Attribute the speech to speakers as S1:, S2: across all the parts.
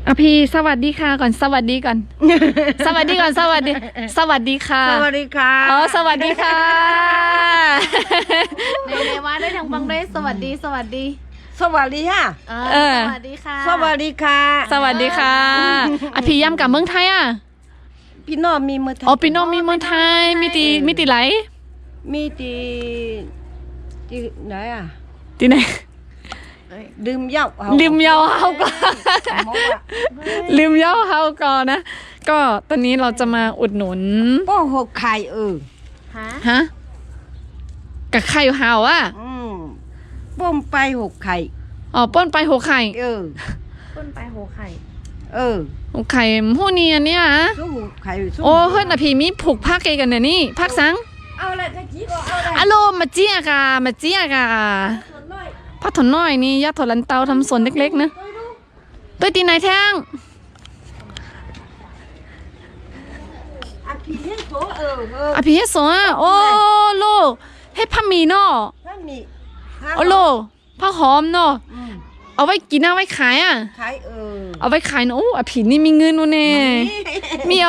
S1: อพี่สวัสดีค่ะก่อนสวัสดีก่อนสวัสดีก่อนสวัสดีสวัสดีค่ะ
S2: สวัสดีค่ะ
S1: อ๋อสวัสดีค่ะ
S3: ในว่าได้ทางบังได้สวัสดีสวัสดี
S2: สวัสดีค่ะ
S3: สวัสดีค่ะ
S2: สวัสดีค่ะ
S1: สวัสดีค่ะอพี่ย่ำกับเมืองไทยอ่ะ
S2: พี่น้องมีเมืองไทย
S1: อ๋อพี่น้องมีเมืองไทยมีตีไหล
S2: มีที่ไหนอ่ะ
S1: ตีไหน
S2: ดื่มเหล้า
S1: ลืมเยาเฮาก่อนลืมเยาเฮาก่อนนะก็ตอนนี้เราจะมาอุดหนุน
S2: ป้อหกไข่
S1: ฮะกับไข่เฮาอ่ะ
S2: ป้อมไปหกไข่
S1: อ๋อป้นไปหัวไข่
S3: ต้นไปโหไข่
S1: หัวไข่หู้นี่อันเนี้ย
S2: สู้ไข่
S1: โอ้เฮ้ยนะพี่มีผูกผ้าเกกันเนี่ยนี่ผ้าสัง
S2: เอาอะไรตะกี้ก็เอาอะไร
S1: อะโลมาเจี๊ยกะผ้าถนน้อยนี่ยาถอดลันเตาทำสวนเล็กๆนะตัวตีไหนแท่ง
S2: อภิเฮโซ
S1: อภิเฮโซอ่ะโอ้โลให้ผ้ามีเนาะโอ้โลผ้าหอมเนาะเอาไว้กินเอาไว้ขายอ่ะ
S2: ขาย
S1: เอาไว้ขายเนาะโอ้อภินี่มีเงินวะเนี่ยมี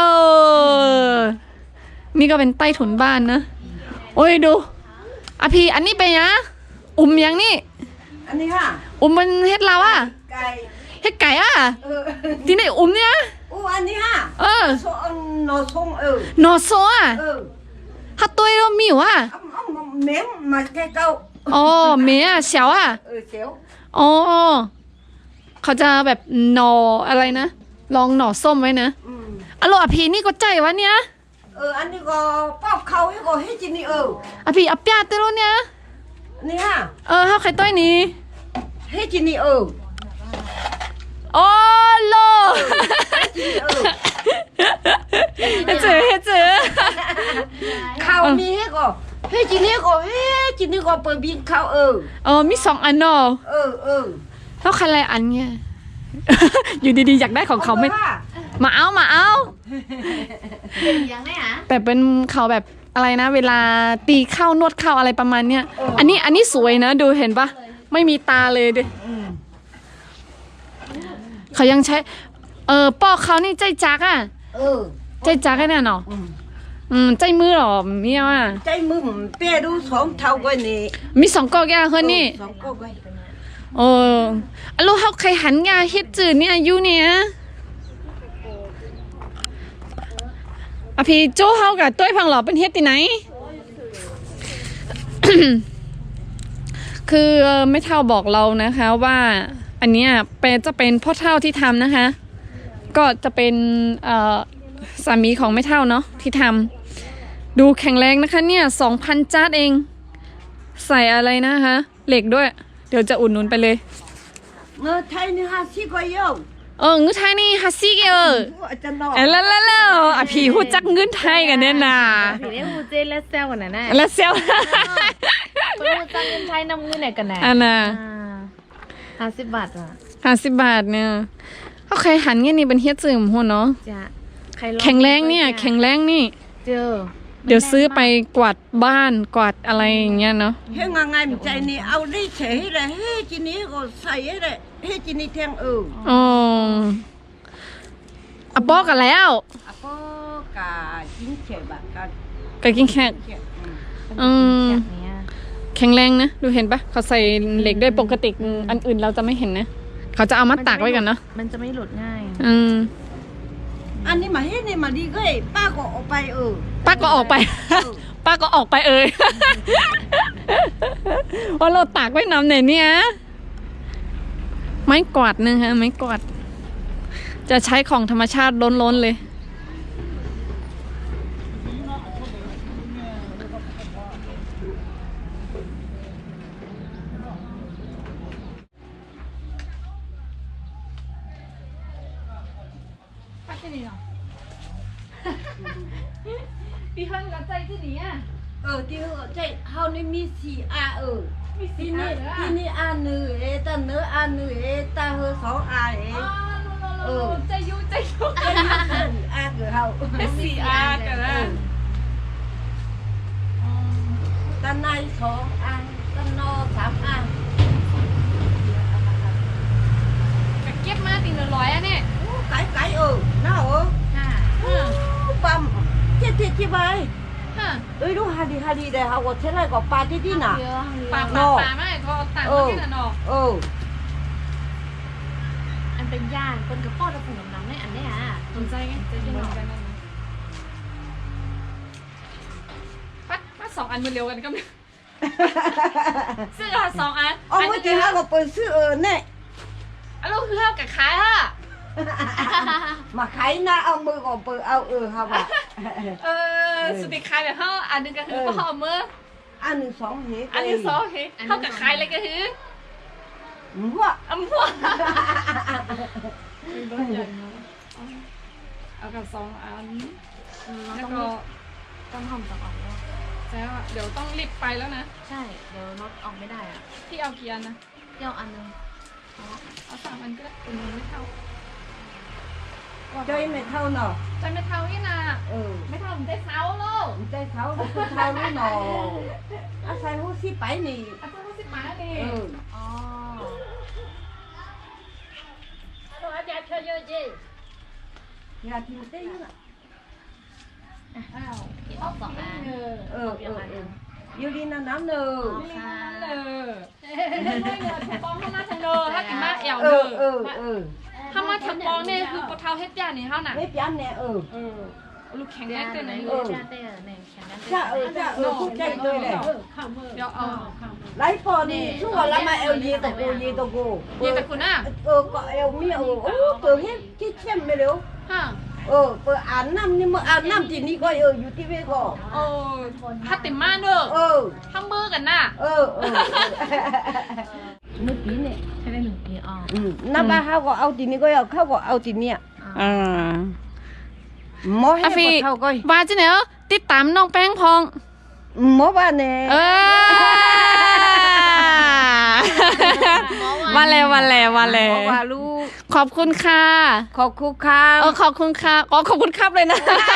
S1: นี่ก็เป็นใต้ถุนบ้านนะโอ้ยดูอภิอันนี้เป็นยังยังนี่
S2: อันนี้ค่ะ
S1: มันเฮ็ดเราอ่ะ
S2: ไก่
S1: เฮ็ดไก่อ่ะที่ไหนเนี่ย
S2: อันนี้ค่ะนอส่ง
S1: นอโซอ่ะฮัตตัวเรามีวะ
S2: เม้มมาแค่เก้า
S1: อ๋อเมียเสียวอ่ะ
S2: เสียว
S1: อ๋อเขาจะแบบหนออะไรนะลองหน่อส้มไว้นะอร่อยพี่นี่ก็ใจวะเนี่ย
S2: อันนี้ก็ปอกเขาให้ก็ให้จินี่
S1: พี่อับยาเตโรเนี่ย
S2: นี่ค่ะ
S1: เฮาไข่ต้อยนี่
S2: ให้จินี่
S1: โอ้โลเฮ็ดเจอ
S2: เขามีให้ก็ให้จินี่ก็เปิดบินเขา
S1: มี2อันเนาะเท่าคันไรอันเนี่ยอยู่ดีๆอยากได้ของเขาไม่มาเอา
S3: ยังไงอ่ะ
S1: แต่เป็นเขาแบบอะไรนะเวลาตีเข้านวดเข้าอะไรประมาณเนี้ยอันนี้สวยนะดูเห็นปะไม่มีตาเลยดิเขายังใช้ปอกเขานี่ใจจักอ่ะใจจักแน่เนาะใจมือหรอเมียอ่ะ
S2: ใจมือเปี้ยดู2 เท่ากันนี่
S1: มี2ก๊อกแกเฮ้ยนี่
S2: 2 ก๊อกกัน
S1: ลูกเขาใครหันงาเฮ็ดจืดเนี่ยอยู่เนี่ยพี่โจ้เฮากับต้วยพังหล่อเป็นเฮ็ดที่ไหน คือไม่เท่าบอกเรานะคะว่าอันเนี้ยจะเป็นพ่อเท่าที่ทำนะคะก็จะเป็นสามีของไม่เท่าเนาะที่ทำดูแข็งแรงนะคะเนี่ย 2,000 จาร์ดเองใส่อะไรนะคะเหล็กด้วยเดี๋ยวจะอุดหนุนไปเลย
S2: เงินไทยนี่50ก็เยอะ
S1: เงินไทยนี่50แล้วพี่ฮู้จักเงินไทยกันเนี่ยนะ
S3: พี่ได้ฮู้เจและเซลกันนะ
S1: และเซล
S3: ฮู้จักเงินไทยนำเงินไหนกันนะ
S1: อันน่ะ
S3: 50 บาทอ่ะ
S1: 50 บาทเนี่ยเขาใครหันเงี้ยนี่เป็นเฮ็ดซื่อมหัวเนาะ
S3: จ้ะ
S1: แข็งแรงเนี่ยแข็งแรงนี่เดี๋ยวซื้อไปกวาดบ้านกวาดอะไรอย่างเงี้ยเนาะ
S2: เฮ้ยงานใจนี่เอาได้เฉยเลยเฮ้ยจีนี่ก็ใส่เลยเฮ้ยจีนี่แทง
S1: อะปอกันแล้ว
S2: อะปอกากินเฉยแบบ
S1: กกินแค่แข็งแรงนะดูเห็นปะเขาใส่เหล็กด้วยปกติอันอื่นเราจะไม่เห็นนะเขาจะเอามาตากไว้กันเนาะ
S3: มันจะไม่หลุดง่าย
S2: อันนี้มาเฮ้ยนี่มาดีก็ป้าก็ออกไป
S1: ป้าก็ออกไปว่าเราตากไว้น้ำไหนเนี่ยไม้กวาดนึงฮะไม้กวาดจะใช้ของธรรมชาติล้นๆเลยพี่ฮันกับใจที่นี่อ่ะ
S2: ที่ใจเฮานี่มี4 อามีที่นี่อาหนึ่งตาเนื้ออาหนึ่งตาเฮอ2 อา
S1: ใจยุ
S2: อาเกิดเฮา
S1: 4 อากันนะ
S2: ตาใน2 อาตานอ3 อา
S1: เก็บมาติ100อ่ะเนี่ย
S2: จีบไป
S1: ฮะ
S2: เอ้ยดูฮาดีเดี๋ยวฮะว่าเท่าไรก็ปาที่น่ะ
S3: เยอะ
S1: ปลาไม่ก็ต่างกันที่น่ะเนาะ
S3: อันเป็นย่านคนกับพ่อตะปุ่มน้ำในอันเนี้ย
S1: สนใจไงจะกินหน่อยปัด2 อันมือเร็วกันก็ซื้อ2 อัน
S2: อ๋อเมื่อกี้ฮะก็เปิดซื้อเนี่ย
S1: อันลูกคือเท่ากับขายฮะ
S2: มาขายนะเอามือก็เปิดเอาฮะว่า
S1: สุดที่ขายแบบเท่าอันนึงก็คือพ่อมือ
S2: อันหนึ่งสองเฮ
S1: อันที่2คือเท่ากับขายเลยก็คือ
S2: ว่า
S1: อัมพวกเอากับ2 อันแล้วก็
S3: ต้องห้องต้องออกแล้ว
S1: แล้วเดี๋ยวต้องรีบไปแล้วนะ
S3: ใช่เดี๋ยวรถออกไม่ได้อ่ะ
S1: ที่เอากี่อันนะ
S3: เที่ยวอันนึง
S1: เอา3 อันก็ได้เป็นไม่เท่า
S2: ใจไม่เท่าเนาะ
S1: ใจไม่เท่านี่นะ
S2: ไม่
S1: ไม่เท่ามันได้เท้าโลก
S2: ใจเท่ารู้เท่ารู้เนาะอาศัยหูสิไปนี่
S1: อาจารย์ก็สิมาดิ
S3: อ๋อ
S2: อย่าทิ้งเต้นนะ
S1: อ้าว
S3: ที่ออก2 อัน
S2: อยู่ดีน้ำเนอ
S1: นี่นั่นเลยไม่เนอปองเข้ามาทางเนอถ้ากินมาแอวเนอถ้ามาทางปองเนี่ยคือปะเท้าเฮ็ดยานี่เท่าน่ะ
S2: ไม่เปลี่ยนเนี่ย
S1: ลูกแข็งแรงเต้นไหน
S3: ย่านเต้ในแข็งนั้น
S2: จ้าพูดใจเลยเลย
S1: เดี๋ยวเอา
S2: ไลฟ์พอนี่ช่วงละมาเอลยีตะกูยีตะกู
S1: เย็นแต่คุณน่ะ
S2: ก็เอลมีโอ้เปิดให้ที่เข้มไปเร็ว
S1: ฮะ
S2: เปิดอ่านน้ำนี่มึงอ่านน้ำที่นี่ก็อยู่ที่เวก็
S1: โอ้ถ้าติดมาเด้อทำมือกันน่ะ
S2: เมื่อกี้เนี่ย
S3: ใช้ได้1 ปีอ๋อ
S2: น้ำบ้าเขาก็เอาที่นี่ก็เอาเขาก็เอาที่เนี่ยหมอให้ปวดเท่าก็
S1: ว่าจิเนี่ยติดตามน้องแป้งพอง
S2: หมอบ้านเนี่ย
S1: มาแล้ว
S2: หมอว่าลูก
S1: ขอบคุณค่ะ
S2: ขอบคุณครับ
S1: ขอบคุณค่ะขอบคุณครับเลยนะ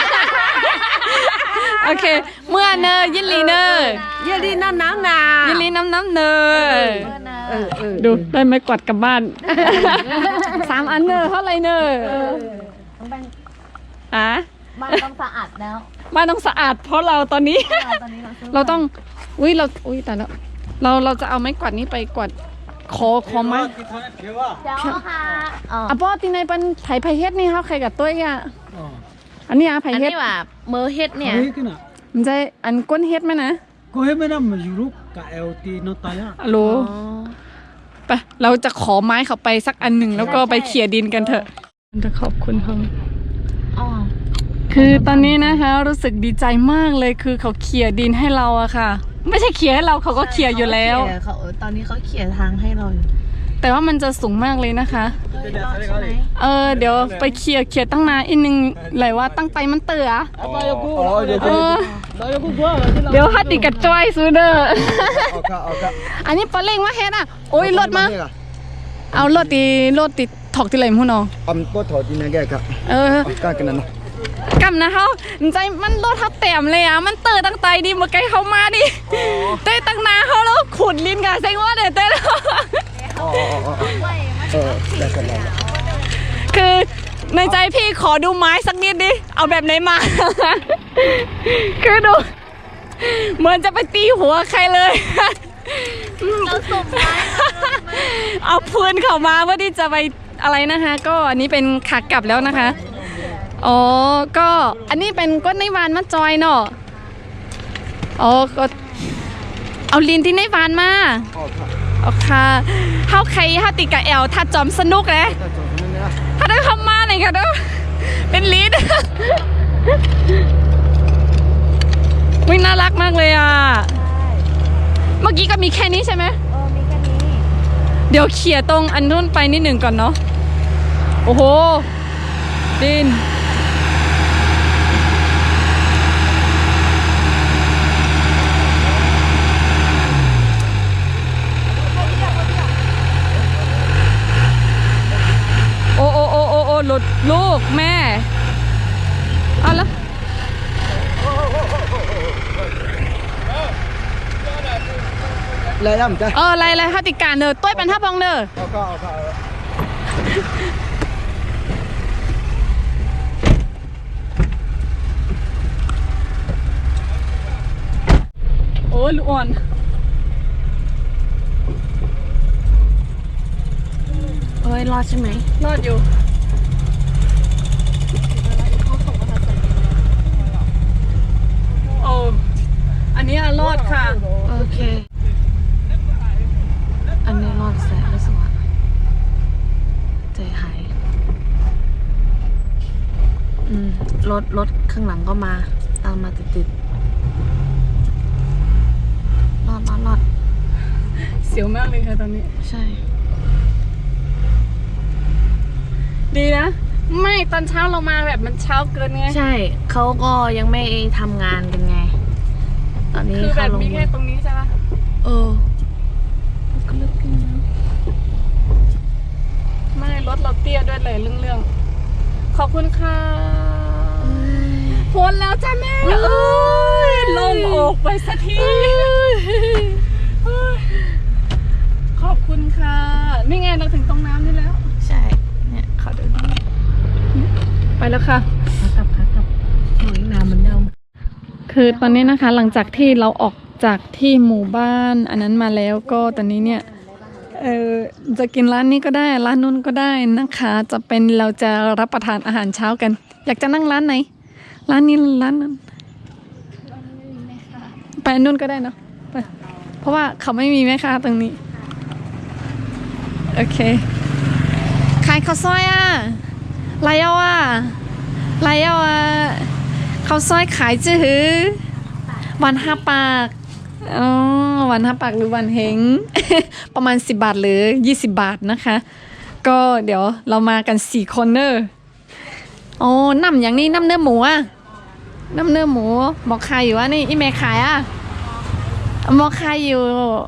S1: โอเค เมื่อเนอยินลีเนอ
S2: เยลีน้ำนา
S1: ยินลีน้ำเนอ
S3: เนอ
S1: ดูได้ไม้กวาดกลับบ้าน 3 อันเนอเท่าไรเนอ
S3: ต้องแบ่ง
S1: อ่ะ
S3: บ้านต้องสะอาดแล้ว
S1: บ้านต้องสะอาดเพราะเราตอนนี้
S3: ตอนนี้เราซื้อ
S1: เราต้องแต่แล้วเราจะเอาไม้กวาดนี้ไปกวาดคอไม้
S3: เดี๋ยวค่ะอ๋อ
S1: อ่ะป้อที่ในเป็นไผ่เฮ็ดนี่เขาใครกับตัวอ่ะอันนี้อ่ะไผ่
S3: อัน
S1: เฮ็ด
S3: นี้ว่าเมอเฮ็ดเนี่ย
S1: มันจะอันก้นเฮ็ดไหมนะ
S4: ก็เห็นไม่ได้มาอยู่รูปกับเอลตีนตายอ่ะ
S1: ฮัลโหลไปเราจะขอไม้เขาไปสักอันหนึ่งแล้วก็ไปเขี่ยดินกันเถอะจะขอบคุณเขา
S3: อ๋อ
S1: คือตอนนี้นะคะรู้สึกดีใจมากเลยคือเขาเขี่ยดินให้เราอะค่ะ ไม่ใช่เขี่ยให้เราเขาก็เขี่ยอยู่แล้ว
S3: เขาตอนนี้เขาเขียนทางให้เราอยู่
S1: แต่ว่ามันจะสูงมากเลยนะคะ
S3: ใช่ไหม
S1: เดี๋ยวไปเขี่ยตั้งนานอีกนึงเลยว่าตั้งไปมันเต๋อเดี๋ยวฮัดดิกระจ้อยซูเดอร์อันนี้ปลาเล่งมาเฮ็ดอ่ะโอ้ยรถมาเอารถติถอกที่ไหนพู้น้อง
S4: ก็ถอดที่นั่นแกครับกล้ากันนั่น
S1: กำนะเขาใจมันรถทับแต้มเลยอ่ะมันเต๋อตั้งใจดิมาไกลเข้ามาดิเต้ตั้งนาเขาแล้วขุดลิ้นกันเซ็งว่าเต้แล้ว
S4: ได้กันแล้ว
S1: คือในใจพี่ขอดูไม้สักนิดดิ เอาแบบไหนมา คือดู เหมือนจะไปตีหัวใครเลย
S3: เราส่งไม้
S1: เอาพื้นเข้ามาเพื่อที่จะไปอะไรนะคะ ก็อันนี้เป็นขากลับแล้วนะคะ อ๋อ ก็อันนี้เป็นก้นในวานมาจอยเนาะ อ๋อ ก็เอาลินที่ในวานมาโอเคเฮาใครเฮาติกะแอลถ้าจอมสนุกเลยถ้าได้เข้ามาหน่อยค่ะเด้อเป็นลีดวิ่งน่ารักมากเลยอ่ะ เมื่อกี้ก็มีแค่นี้ใช่ไหม
S3: มีแค่นี้
S1: เดี๋ยวเขี่ยตรงอันนู้นไปนิดหนึ่งก่อนเนาะ โอ้โห ดิน โอ้หลุดลูกแม่ เอาละ
S4: เลยย่ำจ้ะ
S1: อะไรฮัตติการเนอต้วยเป็นท่าบองเนอยลูกอ่อน
S3: เอ้ยรอดใช่ไหม
S1: รอดอยู่โอ้อันนี้รอดค่ะ
S3: โอเค อันนี้รอดแสนรู้สึกว่าใจหายรถข้างหลังก็มาตามมาติดรอด
S1: เสียวมากเลยค่ะตอนนี้
S3: ใช่
S1: ดีนะ ไม่ตอนเช้าเรามาแบบมันเช้าเกินไง
S3: ใช่เขาก็ยังไม่ทำงานกันไง ตอนนี้
S1: คือแบ
S3: เข้า
S1: บ
S3: ลง
S1: มีแค่ตรงนี้ใช่ปะ
S3: เออก็เลิกกินแล้ว
S1: ไม่รถเราเตี้ยด้วยเลยเรื่องขอบคุณค่ะพ้นแล้วจ้าแม่เอ้ยลงอกไปสักทีขอบคุณค่ะนี่ไงเราถึงตรงน้ำนี่แล้ว
S3: ใช่เนี่ยเขาเดิน
S1: ไปแล้วค่ะ
S3: ขากลับหอยน้ำเหมือนเดิม
S1: คือตอนนี้นะคะหลังจากที่เราออกจากที่หมู่บ้านอันนั้นมาแล้วก็ตอนนี้เนี่ยจะกินร้านนี้ก็ได้ร้านนู้นก็ได้นะคะจะเป็นเราจะรับประทานอาหารเช้ากัน อยากจะนั่งร้านไหนร้านนี้ร้านนั้นไปนู่นก็ได้เนาะไปเพราะว่าเขาไม่มีแม่ค้าตรงนี้โอเคขายข้าวซอยอ่ะไรเอาอ่ะข้าวซอยขายจื้อวัน5 ปากอ๋อวัน5 ปากหรือวันเฮง ประมาณ10 บาทหรือ20 บาทนะคะ ก็เดี๋ยวเรามากัน4 คนเนอะอ๋อน้ำอย่างนี้น้ำเนื้อหมูอ่ะน้ำเนื้อหมูหมอขายอยู่อ่ะนี่อีเมย์ขายอ่ะหมอขายอยู่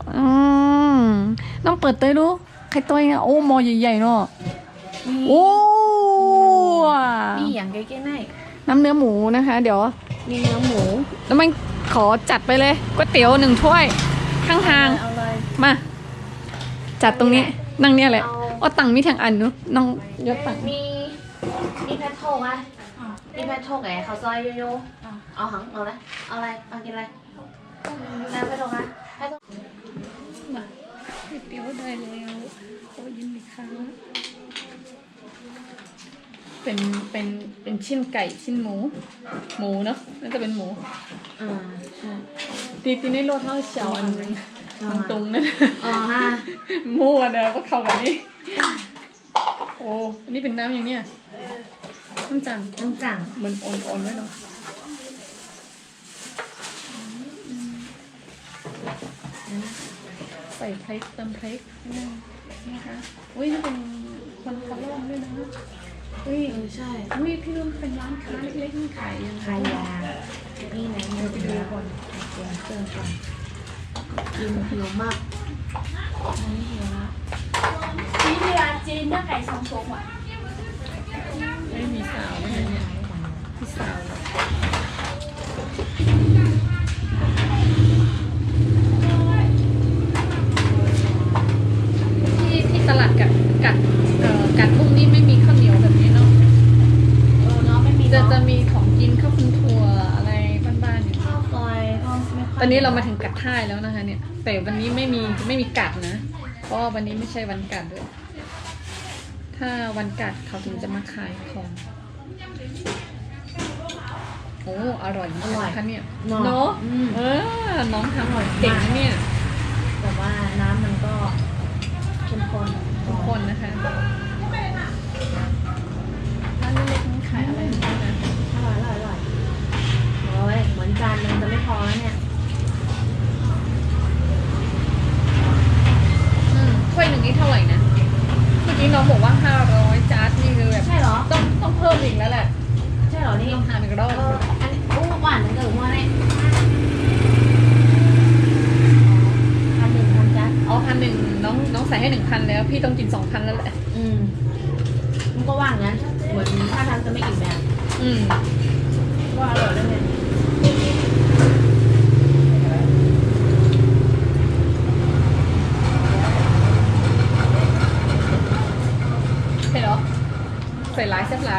S1: น้องเปิดตัวดูใครตัวอ่ะโอ้หมอใหญ่ๆเนาะโอ้
S3: นี่อย่างเก๋ๆไหน
S1: น้ำเนื้อหมูนะคะ เดี๋ยว
S3: มีเนื้อหมู
S1: แล้วมันขอจัดไปเลยก๋วยเตี๋ยว1 ถ้วยข้างทาง
S3: เอาเลย
S1: มา จัดตรงนี้นั่งเนี่ยแหละเอาตังค์มีทางอันเนาะน้องยศตังค์
S3: มีแพทโทกอ่ะมีแพทโทกไงเขาซอยโยเอาหังเอาเลยเอาอะไรเอากินอะไรน้ำแพทโทกอ่ะแพทโทก
S1: มาก๋วยเตี๋ยวได้แล้วโอ้ยินดีค่ะเป็นชิ้นไก่ชิ้นหมูเนาะน่าจะเป็นหมู
S3: ใช่
S1: ตีในโลเท่าเฉาอันนึงตรงๆนั่น
S3: อ๋อฮะ
S1: มั่วเด้อก็เข้ากันนี่โอ้อันนี้เป็นน้ำอย่างเนี้ยน้ำจัง
S3: น้ำจัง
S1: เหมือนอ่อนๆไว้เนาะใส่พริกเติมพริกนะคะอุ้ยนี่เป็นคนคัดลอกด้วยนะอุ้ย
S3: ใช่
S1: อุ้ยพี่รุ่นเป็นร้านค้าเล็กๆนี่ขายยังไง
S3: ขายยานี่ไหนมันจะดูก่อนเดี๋ยวเติมก่อนกินหิวมากอันนี้หิวแล้ว
S5: ที่ที่ร้านจีนเนื้อไก่สองโชว์อ่ะ
S1: ไม่มีสาวเลยเนี่ยพี่สาวที่ตลาดกัดพวกนี้ไม่มีข้าวเหนียวแบบนี้เนาะ
S3: เนาะไม่มี
S1: จะมีของกินข้าวคุณถั่วอะไรบ้านๆอยู่
S3: ข้าวซอยก็ไม่ค่อย
S1: ตอนนี้เรามาถึงกัดท่ายแล้วนะคะเนี่ยแต่วันนี้ไม่มีกัดนะเพราะว่าวันนี้ไม่ใช่วันกัดด้วยถ้าวันกัดเขาถึงจะมาขายของโอ้อร่อยมากค่ะเนี่ยเนาะน้องทำอร่อยเก่งนะเนี่ย
S3: แต่ว่าน้ำมันก็เข้มข้น
S1: ทุกคนนะคะร้านเล็กๆนี่ขายอะไรบ้างนะ
S3: อร่อยโอ้ยเหมือนจานนึงจะไม่พอแล้วเนี่ย
S1: ถ้วยหนึ่งนี่เท่าไหร่นะเมื่อกี้น้องบอกว่า500จานนี่คือแบบ
S3: ใช่เหรอ
S1: ต้องเพิ่มอีกแล้วแหละ
S3: ใช่เหรอนี่
S1: ต้องทานอีกรอบ
S3: อันนี้อู้หวานเหมือนเดิมว่าเนี่ย1,000จ้ะ
S1: อ๋อ1,000น้องใส่ให้1,000แล้วพี่ต้องกิน2,000แล้วแหละ
S3: มันก็ว่างงั้นเหมือนถ้าทำจะไม่อิ่มแบบ ว่าอร่อยแล้วเนี่ย
S1: ใช่เหรอใส่ร้ายแซ่บร้าย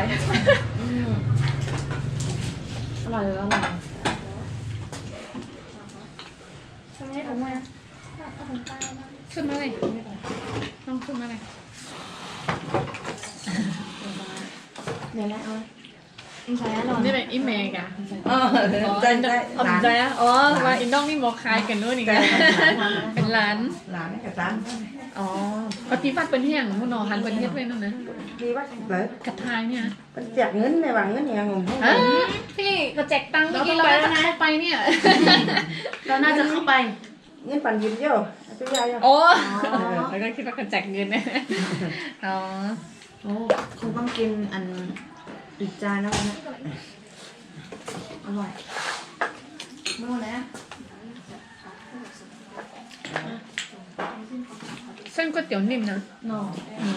S3: อร่อยเลยอร่อย
S1: ใช่
S3: ถุงมา
S1: ขึ้นมาเลยน้องขึ้นมาเลย
S3: เดี๋ยวนะเอาอินใช้หรอ
S1: นี่เป็นอีเมลกะ
S2: ใจใจ
S1: อ๋อใจอ่ะอ๋อว่าอินน้องนี่หมอคายกันนู่นอีกแล้วเป็นร้าน
S2: หลานกับร้าน
S1: อ๋อปฏิบัติเป็นแห่งมุนนอหันเป็นเฮ็ดไว้นั่นนะ
S2: ดีว่าเลย
S1: กระทายเนี่ย
S2: มันแจกเงินในหวังเงินเนี่ยงง
S1: ฮะพี่กระแจกตังค์เมื่อกี้เราจะเข้าไปเนี่ย
S3: เราน่าจะเข้าไป
S2: เงินปั่นยิ้มเยอะตัวใหญ่
S1: โอ้แล้วก็คิดว่ากระแจกเงินเนี่ยอ๋อ
S3: โอ้คงต้องกินอันอีกจานแล้วนะอร่อยเมื่อไหร่
S1: เส้นก๋วยเตี๋ยวนิ่มนะ
S3: หน่อ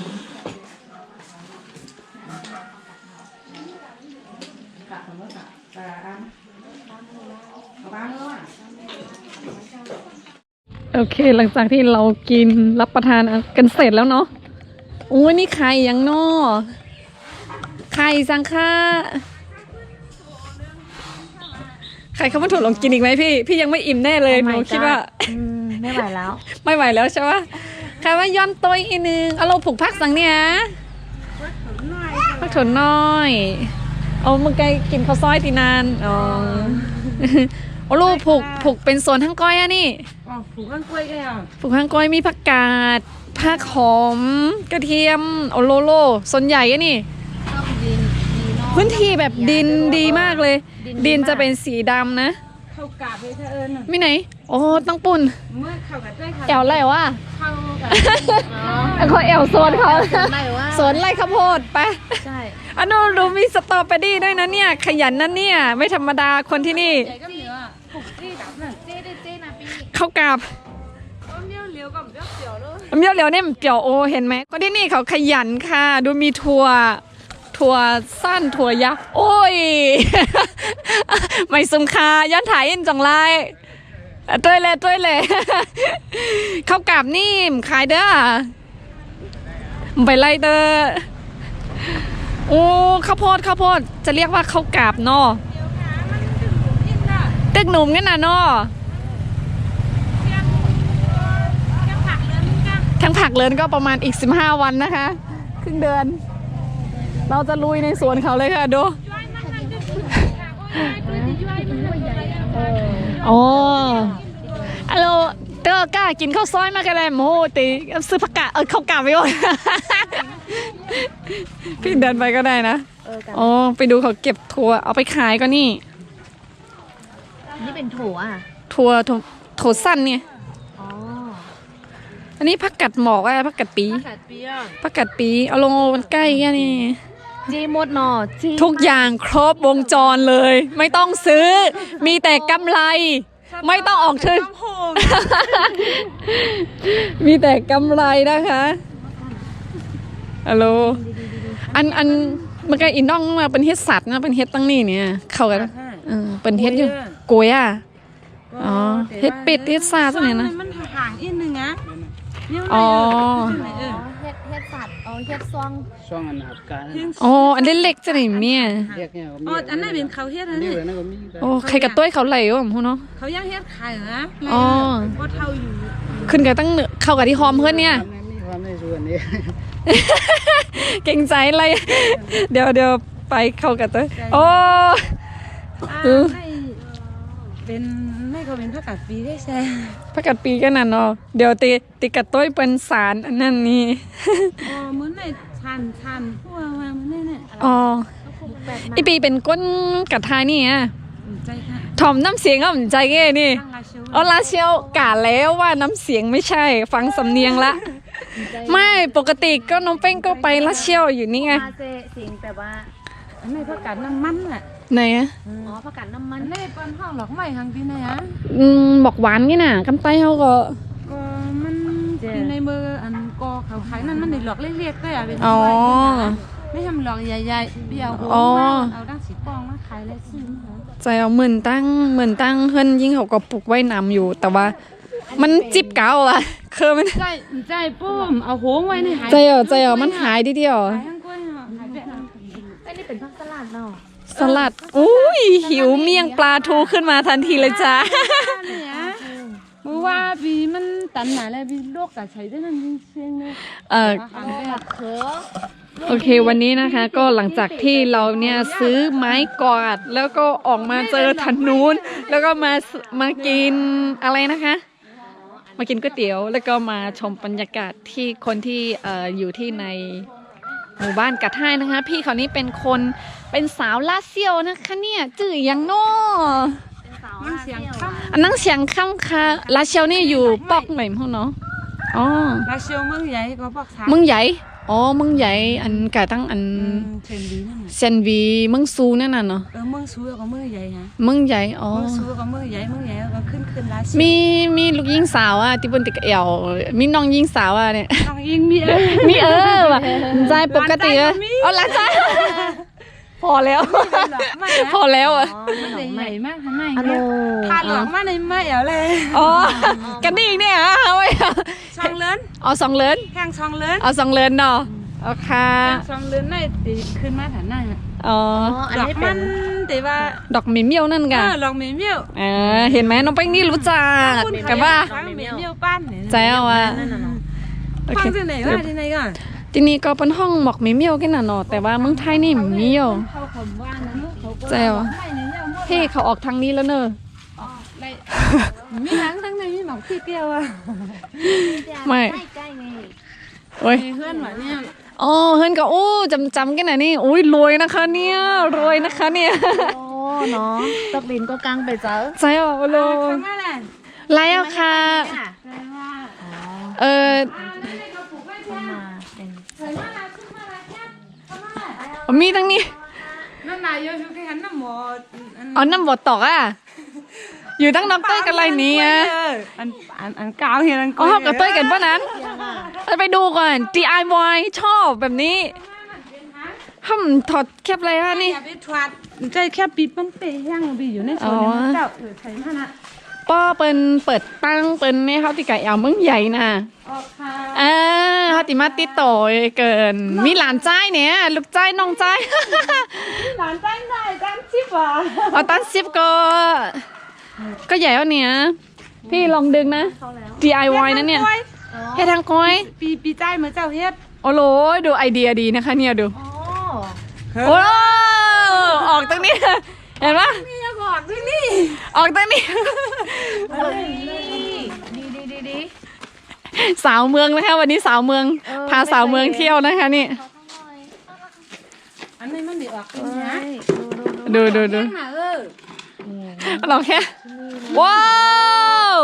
S1: โอเคหลังจากที่เรากินรับประทานกันเสร็จแล้วเนาะโอ้ยนี่ไข่ยังนอไข่สังค่าไข่ข้าวมันถั่วลองกินอีกไหมพี่ยังไม่อิ่มแน่เลยหนูคิดว่า
S3: ไม่ไหวแล้ว
S1: ไม่ไหวแล้วใช่ปะใครว่าย้อนตัวอีกนึงเอาเราผูกพักสังเนี่ยพักถั่วน้อยเอาเมื่อกี้กินข้าวซอยตีนานอ๋อเอาลูกผูกเป็นโซนทั้งก้อยอะนี่
S2: อ๋อผูกข้างกล้วยแกอ่ะ
S1: ผูกข้างก้อยมีผักกาดผักหอมกระเทียมโอโลโลส่วนใหญ่อะนี่พื้นที่แบบดินดีมากเลย ดินจะเป็นสีดำนะ
S2: เข้ากาบเลยเธอเอิญ
S1: ไม่ไหนโอ้ต้องปุ่น
S2: เมื่อเข้ากับด้วยค่ะ
S1: แอวไรวะ
S2: เข้ากับ
S1: เขาแอวโซนเขา
S3: ไม่ว่า
S1: สวนไร่ข้าวโพดไป
S3: ใช่
S1: อันนู้นดูมีสตรอเบอรี่ด้วยนะเนี่ยขยันนั่นเนี่ยไม่ธรรมดาคนที่นี่
S2: ใหญ่ก็เหนือผูกที่ดับน่ะ
S1: เข้ากราบ
S2: เลี้ยวเลี้ยวกับเลี้ยวเสียวเลย
S1: เมี่ยวเหลียวเนี่ยมันเปี่ยวโอเห็นไหมคนที่นี่เขาขยันค่ะ ดูมีถั่วสั้นถั่วยักษ์โอ้ย ไม่สมคาย้อนถ่ายอินจังไรต้วยเลย ข้าวกราบนี่ขายเด้อไปไล่เด้อโอ้ข้าวโพดจะเรียกว่าข้าวกราบเนาะตึกหนุ่มกันนะเนาะทั้งผักเลินก็ประมาณอีก15 วันนะคะครึ่งเดือน เราจะลุยในสวนเขาเลยค่ะดูอ๋อฮัลโหลเตอกล้ากินข้าวซอยมากกันเลยโมตีซื้อผักกาดข้าวกาดไปก่อน พี่เดินไปก็ได้นะอ๋อไปดูเขาเก็บถั่วเอาไปขายก็นี่
S3: นี่เป็นถั่วอ่ะ
S1: ถั่วสั้นเนี่ย
S3: อ๋อ
S1: อันนี้ผักกัดหมอกอะผักกัดปี
S2: ขาดเปียก
S1: ผักกัดปีเอาลงมันใกล้แค่นี้
S3: จีมดหน่อจี
S1: ทุกอย่างครบวงจรเลย ไม่ต้องซื้อ มีแต่กำไร ไม่ต้องออกทุน มีแต่กำไรนะคะฮัลโหลอันเมื่อกี้อินน้องมาเป็นเฮ็ดสัตว์นะเป็นเฮ็ดตั้งนี่เนี่ยเข้ากันเป็นเฮ็ดอยู่โกยอ่ะอ๋อเฮ็ดเป็ดเฮ็ดซาตัวไหนนะ
S2: มันห่างอีกนึงนะเนี่ย
S1: อ๋อ
S3: เฮ็ดสัตว์เฮ็ดซอง
S4: ช่วงอันหับการ
S1: อ๋ออันเล็กๆจะไหนเนี่ย
S4: เรียกเนี่ย
S2: อ๋ออันนั้นเป็นเขาเฮ็ดนะ
S4: นี่
S2: เนี่ย
S4: เลยนะก็มี
S1: โอ้ใครกระต้วยเขาไหลวะพูเนาะ
S2: เขาย่างเฮ็ดขายนะ
S1: อ๋อ
S2: ก็เท่าอยู่
S1: ขึ้นกับตั้งเข้ากับที่หอมเพื่อนเนี่ย
S4: มีความในส่วนนี้
S1: เก่งใจอะไร เดี๋ยวไปเข้ากับตัวโอ้
S2: ให้เป็นไม่เขาเป็นผักกาดปีได้แซ่
S1: พักกัดปีกันน่ะเนาะเดี๋ยวติกัดต้วยเป็นสารอันนั้นนี่
S2: อ๋อเหมือนในชันพวกมาเหมือนเนี่ย
S1: อ๋ออีปีเป็นก้นกัดทายนี่อ่ะ
S2: ใจค่ะ
S1: ถ่อมน้ำเสียงก็ใจแง่นี่
S2: ตั้งราชิว
S1: อ๋อลาเชียวกะแล้วว่าน้ำเสียงไม่ใช่ ฟังสำเนียงละ ไม่ปกติก็น้องเป้งก็ไปลาเชียวอยู่นี่ไง
S3: มาเซสิงแต่ว่า
S2: อันนี้ผักกาดน้ำมันอ่ะ
S1: ไหนอ่ะ
S3: อ๋อผักกาดน้ำมั
S2: อั
S3: น
S2: นนี้เป็นห้องหลอกไม้ทางที่ไหนอ่ะ
S1: บอกหวานนี่น่ะกำไตเขาก็
S2: ก็มันอยู่ในมืออันกอเขาขายนั่นมันในหลอกเล็กๆก็อ่ะเป็น
S1: อ๋อ
S2: ไม่ทำหลอกใหญ่ๆเบี้ยวโห
S1: อ๋อ
S2: เอาดั้งสีปองมาขายเลยซื้อมา
S1: ใจเอาเหมือนตั้งเฮิรนยิ่งเขาก็ปลูกไว้น้ำอยู่ แต่ว่ามันจิบเก่าอะคือมัน
S2: ใจปุ้มเอาโหงไว้ในหาย
S1: ใจเอามันหายทีเดียว
S2: ขายทั้งกล้วยอ่ะขายแบบนั้น
S3: อันนี้เป็นผักสลัดเนาะ
S1: สลัดอุ้ยหิวเมี่ยงปลาทูขึ้นมาทันทีเลยจ้า
S2: เนี่ยเมื่อวานตันหนาแล้วพี่ลูกกับใช้ได้นั่นเชียงเลย
S1: โอเควันนี้นะคะก็หลังจากที่เราเนี่ยซื้อไม้กวาดแล้วก็ออกมาเจอถนนแล้วก็มากินอะไรนะคะ มากินก๋วยเตี๋ยวแล้วก็มาชมบรรยากาศที่คนที่อยู่ที่ในหมู่บ้านกระท่ายนะคะ พี่เขานี่เป็นสาวลาเซียวนะคะเนี่ยจื่อยังโน่อันนั่งเสียงค่ำค่ะลาเซียวนี่อยู่ปอกไหนพวกเนาะอ๋อ
S2: ลาเชียวเมืองใหญ่ก็บอกสาม
S1: เมืองใหญ่อ๋อเมืองใหญ่อันกะตั้งอัน
S2: เชนดีนั่น
S1: เซนวีเมืองซูนั่นน่ะเนาะ
S2: เมืองซูก็เมืองใหญ่ฮะ
S1: เมืองใหญ่อ๋อ
S2: เมืองซูก็เมืองใหญ่ก็ขึ้นลาเชียว
S1: มีลูกยิงสาวอ่ะที่บนติกเอวมีน้องยิงสาวอ่ะเนี่ย
S2: น้องยิงมี
S1: มีว่ะใจปกติอะเอาหลานใจพอแล้ว พอแล้วอ่ะ
S2: มันใหญ่มากข้างใน
S3: อันโน
S2: พาหลวงมาในไม่เอาเลย
S1: อ๋อกันนี่เนี่ยเอาไว้
S2: ช่องเลิน
S1: เอาสองเลิน
S2: แข่งช่องเลิน
S1: เอาสองเลินเนาะเอาค่ะ
S2: ช่องเลินได้ตีขึ้นมาฐานหน้า
S1: อ๋อ
S3: อัน
S2: ดอก
S3: นี้เป็
S2: มัน นแต่ว่า
S1: ดอกหมีเมี่ยวนั่นกะ
S2: ลองเมี่ยว
S1: เห็นไหมน้องแป้งนี่รู้จักกันว่า
S2: เมี่ยวป้านเนี่ย
S1: ใจเอาอ่ะ โอ
S2: ฟั
S1: เค
S2: งที่ไหนวะที่ไหนก่อน
S1: ทีนี้ก็เป็นห้องหมอกหมีเมี่ยวกันน่ะเนาะแต่ว่าเมืองไทยนี่มีเมี่ยวใจเอาพี่เขาออกทางนี้แล้วเนอะ
S2: มีทั้งในมีหมอกขี้เกียวอ่ะ
S1: ไม่
S3: ใกล้ไง
S1: โอ้ย
S2: เพื่อนหวานเนี่ย
S1: อ๋อเฮิรนก็โอ้จำกันน่ะนี่อุ้ยรวยนะคะเนี่ยรวยนะคะเนี่ย
S3: โอ้เนาะตกดินก็กลางไปเจอ
S1: ใจเอาโล
S2: ข้างหน้าแหละ
S1: ไล่เอาค่ะเออ มีทั้งนี้
S2: นั่นนายโยชุกหันน้ำหมอ
S1: อ๋อน้ำบดตอกอ่ะอยู่ตั้งน้ำเต้ยกันอะไรนี้อ่ะ
S2: อันกาวเฮียอัน
S1: อ๋อกับเต้ยกันป่ะนั้นไปดูก่อน DIY ชอบแบบนี้ทำถอดแคบอะไรฮะนี่
S2: อย่าไปทวัดใจแค่ปีมันเปย์ย่างไปอยู่ในโซนนี้เจ้าใช้ท่านะ
S1: ป้อเปิดตั้งเป็นเนี่ยเขาติไก่เอาเมืองใหญ่น่ะ
S2: ออกค่ะ
S1: เขาติมาติดต่อเกิน มีหลานใจายเนี่ยลูกใจายน้องใจาย
S2: หลานตั้งได้ตั้งชิบอ่ะ
S1: เอาตั้งซิปก็ใหญ่แล้วเนี่ยพี่ลองดึงนะ DIY นะเนี่ยเฮ็ดทางก้อย
S2: ปีใจเหมือนเจ้าเฮ็ด
S1: โอ้โหดูไอเดียดีนะคะเนี่ยดู
S3: โอ้
S1: โอ้ออกตรงนี้ เห็นปะ
S2: นี่ยังบอกที่นี่
S1: ออกตรงนี้
S3: ดี
S1: สาวเมืองนะคะวันนี้สาวเมืองพาสาวเมืองเที่ยวนะคะนี่
S2: อันนี้มันดีออกเป็นนะ
S1: ดู
S2: ย่างหนา
S1: ลองแค่ว้าว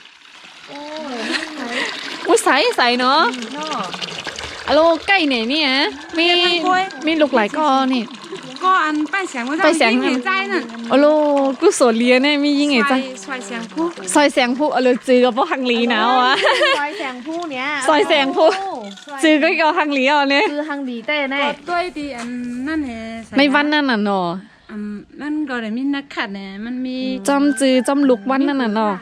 S1: อุ้ยใสเนาะอะโลใกล้เนี่ยนี่ฮะมีลูกหลายก้อนนี่
S2: ก็อันป้ายแสงว่าเจ้ายิ่งเห็นใจนั่น
S1: อะโลกูโสดเลียเนี่ยมียิ่งไงจ้ะ
S2: ซอยแสงผู้
S1: ซอยแสงผู้อะโลจือกับพวกฮังลีหนาวอ่ะ
S3: ซอยแสงผู้เนี้ย
S1: ซอยแสงผู้จือก็กับฮังลีอ่ะเนี่ย
S3: คือฮังดีเต้แน่
S2: ด้วยดีอันนั่นแหละ
S1: ในวันนั้นน่ะเนาะ
S2: นั่นก็ได้มีนักขัดเนี่ยมันมี
S1: จำจือจำลุกวันนั่นน่ะเนาะ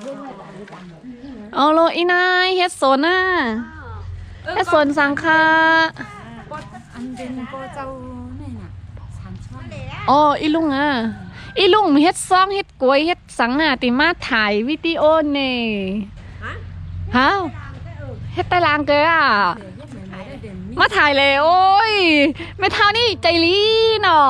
S1: เอาโลอีนายเฮ็ดโซน่าเฮ็ดโซนสังคา
S2: อันเป็นโปเจ้านี่น่ะสามช่อน
S1: อ๋ออีลุงอ่ะอีลุงเฮ็ดซองเฮ็ดกล้วยเฮ็ดสังอ่ะติมาถ่ายวิดีโอนี่ฮะเฮ็ดตารางเกยอ่ะมาถ่ายเลยโอ้ยไม่เท่านี่ใจลีเนาะ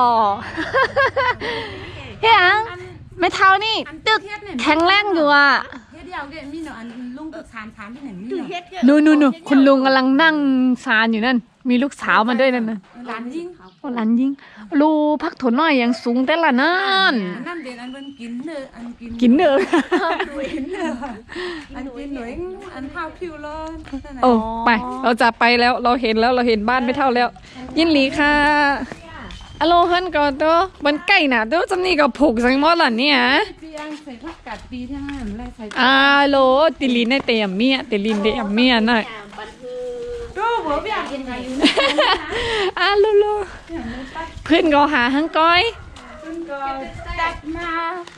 S1: เฮ้ยอังไม่เท่านี่ตึกแข็งแรงอยู่อ่ะ
S2: เฮ็ดเดียวเกมีเนาะอันลุงตึกสามที่ไหนมีเนาะ
S1: นู่นคุณลุงกำลังนั่งซานอยู่นั่นมีลูกสาวมาด้วยนั่นนะ
S2: หลานยิง
S1: โอ้หลานยิงลูพักถนน้อยยังสูงแต่ละนั่น
S2: นั่นเป็นอันเป็นกินเนออันกิน
S1: กินเด้อ
S2: กินเนออันกินหน่วยอันเท้าผิวเลย
S1: โอ้ไปเราจะไปแล้วเราเห็นบ้านไม่เท่าแล้ว ยินหลีค่ะอะโลเฮิรนก็ตัวบนไก่น่ะตัวจำนี่ก็ผูกสังมอดล่ะเนี่ย
S2: ปีอังใส่ผักกาดปีทั้งนั้นไรใส่
S1: อาโลติลินในเตียมเมียติลินเตียมเมียน่ะ
S2: ดูหัวพี่อังกินไง
S1: อาโลเพื่อนก็หาหังก้อย
S2: คุณก็จัดมา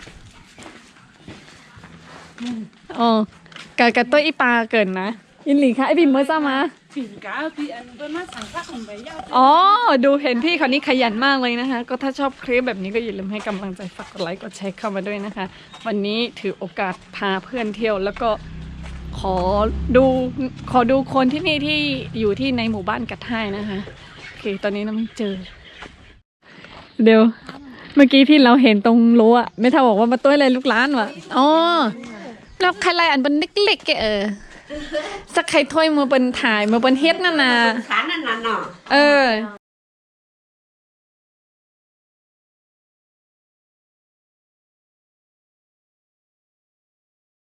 S1: อ๋อกะตัวอีปลาเกินนะยินหลีค่ะไอบิมเมื่อจ้ามา
S2: ปีกาปีอันเป็นมาสั่งข้าวของใบยาว
S1: อ๋อดูเห็นพี่คนนี้ขยันมากเลยนะคะ ก็ถ้าชอบคลิปแบบนี้ก็อย่าลืมให้กำลังใจฝากกดไลค์กดแชร์เข้ามาด้วยนะคะ วันนี้ถือโอกาสพาเพื่อนเที่ยวแล้วก็ขอดูคนที่นี่ที่อยู่ที่ในหมู่บ้านกัดไห้นะคะโอเคตอนนี้เราไม่เจอเดี๋ยวเมื่อกี้ที่เราเห็นตรงรั้วไม่เท่าบอกว่ามาต้วยอะไรลูกหลานวะอ๋อแล้วใครไล่อันเป็นเล็กๆแกสักใครถ้วยมือเป็นถ่ายมือเป็นเฮ็ดนั่นน่ะ
S2: ขานั่นน่ะเนาะ
S1: เออ